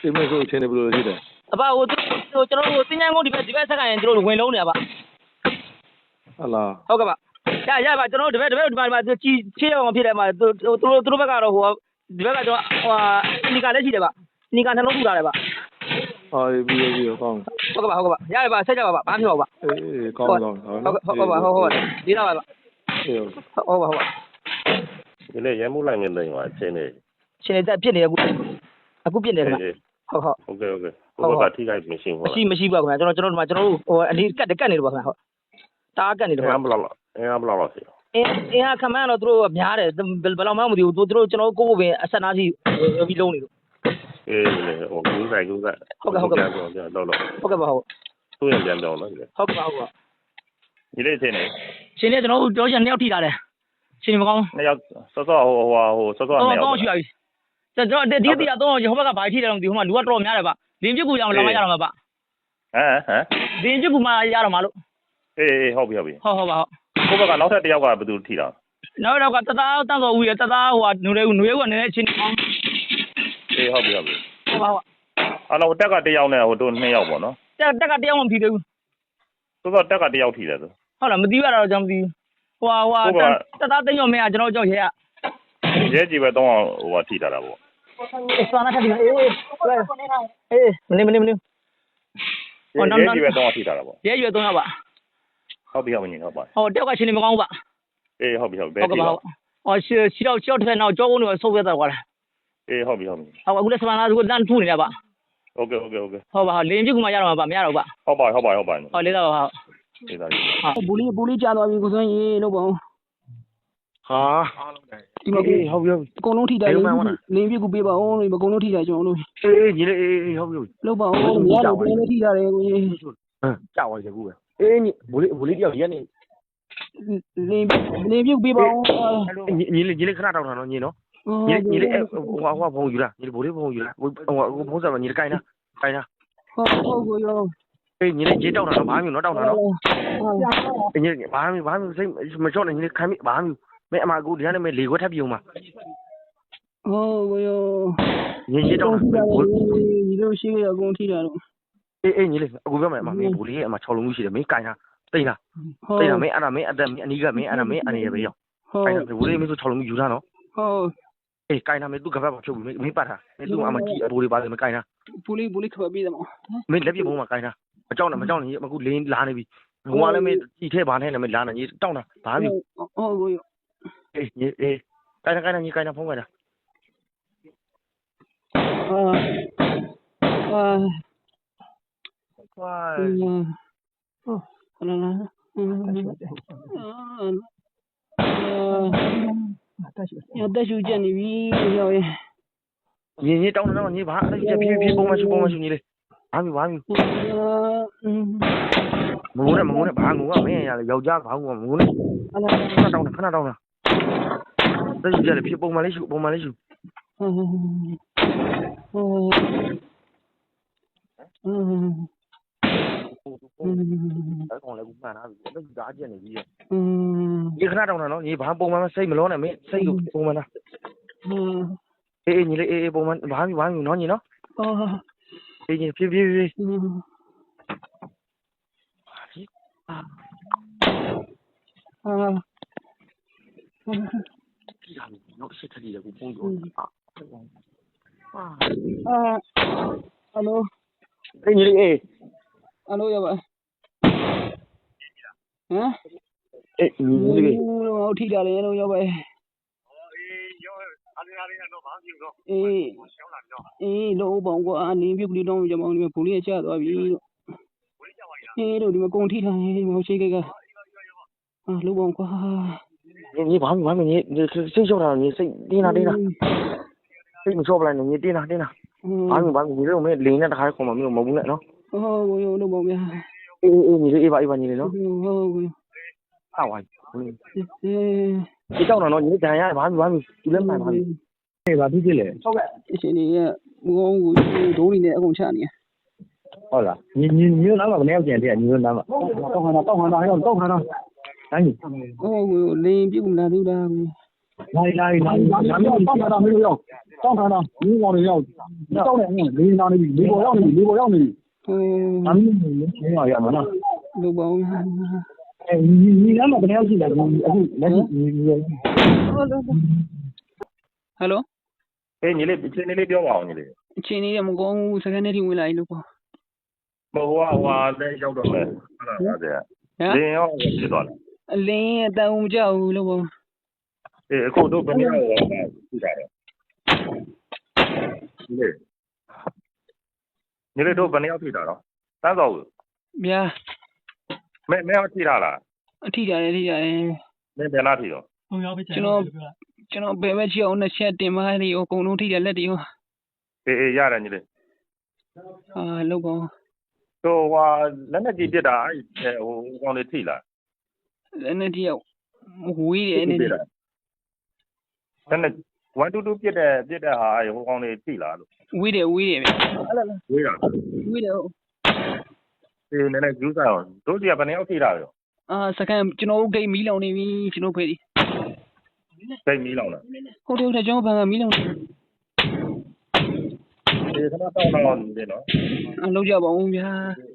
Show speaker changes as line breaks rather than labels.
အိမ်မဆိုအချင်းတွေဘယ်လိုရှိတယ်
အဘဟိုကျွန်တော်တို့စင်ញ្ញံကုန်ဒီဘက်ဆက်ခိုင်းကျွန်တော်တို့ဝင်လုံးနေပါ
ဟုတ်လား
ဟုတ်ကဲ့ပါရပါကျွန်တော်တို့ဒီဘက်ဒီမှာချီချေးအောင်ဖြစ်တယ်မှာသူတို့ဘက်ကတော့ဟိုဒီဘက်ကကျွန်တော်ဟိုနီကာလည်းရှိတယ်ဗျနီကာနှလုံးထူထားတယ်ဗျ
ပြီးကောင်း
ဟုတ်ကဲ့ပါရပါဆက်ကြပါဘာမှမဖြစ်ပါဘူး
အေးကောင်းဟုတ်
ဒီတော့ပါဟုတ်ပါ
ဒီနေ့ရဲမှုလိုက်နေတယ်ဟိုအချင်း
နေတက်ပြစ်နေအခုပြစ်နေတယ်
ဟုတ်ကဲ့ဟိုကထိခိုက်မရှိဘူး
မရှိပါဘူးခင်ဗျာကျွန်တော်တို့ဟိုအနီးကတ်နေတယ်ပါခင်ဗျာဟုတ်တားကတ်နေတယ်
ဘယ်လောက်ရှိ
အင်းခမန်းတော့သူတို့များတယ်ဘယ်လောက်မှမသိဘူးသူတို့ကျွန်တော်ကိုကိုပင်အဆက်နားစီပြီးလုံးနေလို့
အေးဟိုကူးဆိုင်
ဟုတ်ကဲ့တော့
ဟုတ်ကဲ့ပါဟုတ်သူ့ရင်ပြန်ပြောင်းနော်
ဟုတ်ကဲ့
ဒီလေးချင်းနေ
ကျွန်တော်တို့ပြောချင်2ယောက်ထိတာတယ်ရှင်မကောင်း
2ယောက်စောစောဟိုစောစော2ယောက်
တော့ရှိပါပြီကျွန်တော်ဒီတီကတော့ဟိုဘက်ကဘာထိတယ်တော့ဒီဟိုမှာလူကတော့များတယ်ဗျလင်းပြစ်ကူရအောင်လာမရတော့မှာဗျ
ဟမ်
လင်းပြစ်ကူမှရတော့မှာလို့
အေးဟုတ်ပြီ
ဟုတ်ပါဟုတ်
ကိုဘက်ကနောက်ထပ်1ယောက်ကဘယ်သူထိတာ
နောက်တော့ကတသားတန်းစော်ဦးရတသားဟိုနွေဦးကနည်းနည်းချင်းကောင်း
အေးဟုတ်ပါ
အဲ့
တော့တက်က1ယောက်နဲ့ဟိုတို့2ယောက်ပေါ့နော်
တက်က1ယောက်မှမထိသေးဘူး
ဆိုတော့တက်က1ယောက်ထိတယ်ဆို
ဟုတ်လားမသိရတော့ကျွန်တော်မသိဟိုတသားသိညော်မင်းကကျွန်တော်ကြောက်ရဲ
ကြီးပဲတော့ဟိုထိတာတာပေါ့
စွာနာထပြီးမနေ
ရဲကြီးပဲတော့ထိတာတာပေါ့
ရဲရွယ်3ယောက်ပါ
ဟုတ်ပြီဟုတ်ပါ
ဟိုတယောက်ကချင်းနေမကောင်းဘူးဗျ
အေးဟုတ်ပြီ
ဘယ်ထိတော့ရှီတော့တစ်ဖက်နောက်ကြောကုန်းတွေဆုပ်ရတော့ကွာ
အေးဟုတ်ပြီ
အခုလက်စပန်သားကလမ်းထူနေတယ်ဗျ
ဟုတ်ကဲ့
ဟုတ်ပါလင်းပြစ်ကူမှရတော့မှာဗျမရတော့ဗျ
ဟုတ်ပါ
လေးတော့
လေးတော့
ဘူလေးကြာသွားပြီကိုစွန်းရေလို့ပေါ့
ဟာ
ဒီမှာ
ဟုတ်ပြီ
အကုန်လုံးထိတယ်လင်းပြစ်ကူပေးပါဦးအကုန်လုံးထိတယ်ကျွန်တော်တို့
အေးညီလေးအေးဟုတ်ပြီ
လောက်ပါဦးရတော့ဘယ်လိုထိတာလဲကိုကြီး
ကြောက်ပါစေကူပဲအေးညီဘူလေးတယောက်ရက်နေ
လင်းပြစ်ပေးပါဦး
ညီလေးခဏတောင်းတာနော်ညီနော်ညီလေးဟိုဖုန်းယူလားညီလေးဘူလေးဖုန်းယူလားဟိုဖုန်းဆက်ပါညီလေးကိုင်းလား
ဟုတ်ကိုရော
အေးညီလေးကြေးတောင်းတာနော်ဘာမှမတောင်းတာနော်ညီလေးဘာမှစိတ်မချော့နဲ့ညီလေးခိုင်းမိဘာမှမဲအမကူဒီကနေ့မဲလေခွက်ထပ်ပြုံးမှာ
ဟုတ်ကိုရော
ညီတောင်း
ညီတို့ရှိရအကုန်ထိတာတော့
အေးညီလေးအခုပြောမယ်အမမင်းဘူလေးရဲ့အမ6လုံးရှိတယ်မင်းကိုင်းလားတိတ်လားမင်းအဲ့ဒါမင်းအသက်အနီးကမင်းအဲ့ဒါမင်းအနေရပဲရောက်ကိုင်းတာဘူလေးမင်းဆို6လုံးယူထားနော်
ဟုတ်
အေးကိုင်းတာမင်းသူ့ကပတ်ပါဖြုတ်ပြီးမင်းပတ်တာမင်းသူ့အမကြည့်အဘူလေးပါတယ်မကိုင်းတာ
ဘူလေးခပ်ပြီးတယ်မ
မင်းလက်ပြပုံးမှာကိုင်းတာမကြောက်နဲ့အခုလင်းလာနေပြီဘုံကလည်းမင်းကြည့်ထဲပါနဲ့လည်းမင်းလာနေကြီးတောင်းတာဘာမှ
ဟုတ်ကို
အေးကိုင်းတာညီကိုင်းတာဖုန်းကိုင်းတာ
ဝါလာလာတက်ရှူချက်နေပြီရောက်ရဲ့
ညီတောင်းတော့ညီဘာအဲ့ချက်ဖြည်းပုံမှန်ရှူညီလေးဘာမငုံနဲ့ဘာငုံကမင်းရလေယောက်ျားဘာငုံမငုံနဲ့ခဏတောင်းတာတက်ရှူချက်လေဖြည်းပုံမှန်လေးရှူအဲ့ကောင်လည်းကူမှန်တာပြီအဲ့ဒါကြားချက်နေပြီဒီခဏတောင်းတာနော်ညီဘာပုံမှန်စိတ်မလုံးနဲ့မင်းစိတ်ကိုပုံမှန်တာအေးညီလေးအေးပုံမှန်ဘာမှနော်ညီနော်အေးညီဖြည်းနော်ရှစ်ထက်ကြီးကိုပုံရော
ဟယ်လို
အေးညီလေးအေး
ဟယ်လိုရပါဟမ်
အေးညီလေး
ဟိုထိတာလေလို့ရပါလို့ဘောင်ကအနင်းပြုတ်ကလေးတောင်းကြမအောင်ဒီဘူလေးကျသွားပြီလို့တို့ဒီမှာကုန်ထိထားနေမရှိခဲ့ကလို့ဘောင်ကွာ
ညီဘာမှညီစိတ်လျှော့တာညီစိတ်တင်းတာစိတ်မလျှော့ပလိုက်နဲ့ညီတင်းတာဘာမှညီလေးမင်းလိန်နဲ့တခါခေါ်မှမင်းမဟုတ်ဘူးနဲ့နော်
ဟုတ်ကိုလို့ဘောင်ဗျာ
အေးညီလေးအေးပါညီလေးနော်
ဟုတ်ကို
ဟာဝိုင်းဒီတောင်းတော့ညီဒဏ်ရဘာမှသူလည်းမှန်ပါပြီအေးဘာဖြစ်လဲ
ဟုတ်ကဲ့အရှင်ကြီးကဘုံကိုဒိုးနေတဲ့အကုန်ချနေ
ဟုတ်လားညီနားမှာဘယ်နှယောက်ကျန်တဲ့ညီနားမှာတောက်ခါတော့ဟဲ့တောက်ခါတော့တိုင်း
ဟုတ်ကိုလင်းပြုတ်လာသေးတာ
来，咱们要上台了没有要？上台了，你往里要，你到两个，你哪里？你不要你，咱们没有要嘛呢？
路包。
哎，你两个不要去了，你。
Hello。
你那表忘你嘞？
前年我讲上个那天回来路包。
我在小庄嘞，啥子？零幺我知道了。
零但我们家路包。
口头本来我知道的。你那都本来要退的了，单少个。
呀。
没要退他了。
退了。
没别哪退了。
ကျွန်တော်ဘယ်မဲ့ချီအောင်နဲ့ချက်တင်မလေးကိုအကုန်လုံးထိတယ်လက်တွေရော
ရတယ်ညီလေး
လောက်ပါ
ဟိုလက်နဲ့ကြည့်ပြတာအဲ့ဟိုကောင်လေးထိလား
လက်နဲ့ကြည့်ဝေးတယ်နဲ့
လက်နဲ့122ပြတဲ့ဟာဟိုကောင်လေးထိလားလို့
ဝေးတယ်ဗျအဲ့လား
ဝေးတာ
ဝေးတယ်
နည်းနည်းယူစားအောင်တို့ကြီးကဘယ်နှစ်ယောက်ထိတာရော
စကန်ကျွန်တော်ဂိတ်မီးလောင်နေပြီကျွန်တော်ဖေးဒီ
ဂိတ်မီးလောင်လား
ဟုတ်တယ်ကျွန်တော်ဘန်ကမီးလောင်နေ
ခဏတော့နေနော်
လောက်ကြပါဦးဗျာ